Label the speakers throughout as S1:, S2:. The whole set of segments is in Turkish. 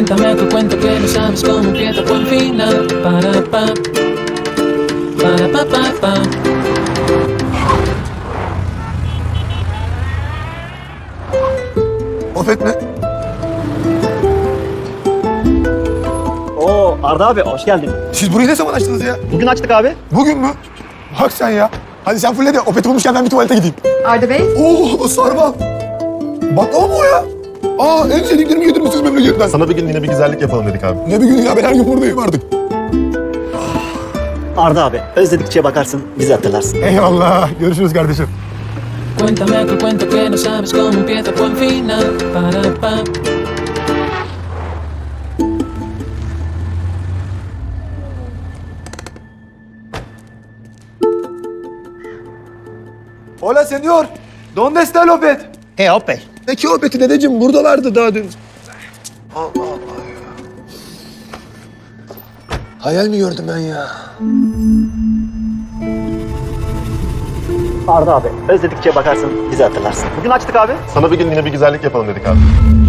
S1: Cuéntame otro cuento que no sabes cómo empieza por final. Para pa, para pa pa pa.
S2: Opet mi?
S3: Oo Arda abi hoş geldin.
S2: Siz burayı ne zaman açtınız ya?
S3: Bugün açtık abi.
S2: Bugün mü? Bak sen ya. Hadi sen fulle de Opet bulmuşken ben bir tuvalete gideyim.
S4: Arda Bey,
S2: Oo sarma. Baklava mı o ya? Aa en sevdiklerimi getirmişsiniz memleketten.
S5: Sana bir gün yine bir güzellik yapalım dedik abi.
S2: Ne bir gün ya, ben her gün buradayım artık.
S3: Arda abi özledikçe bakarsın bizi hatırlarsın.
S2: Eyvallah. Görüşürüz kardeşim.
S1: Cuéntame otro cuento que no sabes cómo empieza por final. Para pa.
S2: Hola señor. ¿Dónde está el Opet?
S3: Opel.
S2: Peki Opet'i dedeciğim, buradalardı daha dün. Allah Allah ya. Hayal mi gördüm ben ya?
S3: Arda abi özledikçe bakarsın bizi hatırlarsın. Bugün açtık abi.
S5: Sana bir gün yine bir güzellik yapalım dedik abi.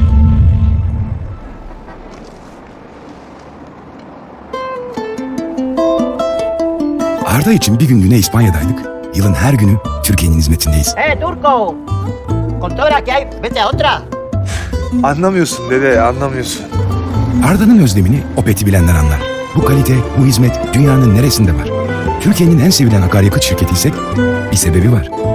S6: Arda için bir günlüğüne İspanya'daydık. Yılın her günü Türkiye'nin hizmetindeyiz.
S7: Turco! Con toda la que hay, vete a otra.
S2: Anlamıyorsun dede, anlamıyorsun.
S6: Arda'nın özlemini Opet'i bilenler anlar. Bu kalite, bu hizmet dünyanın neresinde var? Türkiye'nin en sevilen akaryakıt şirketiysek bir sebebi var.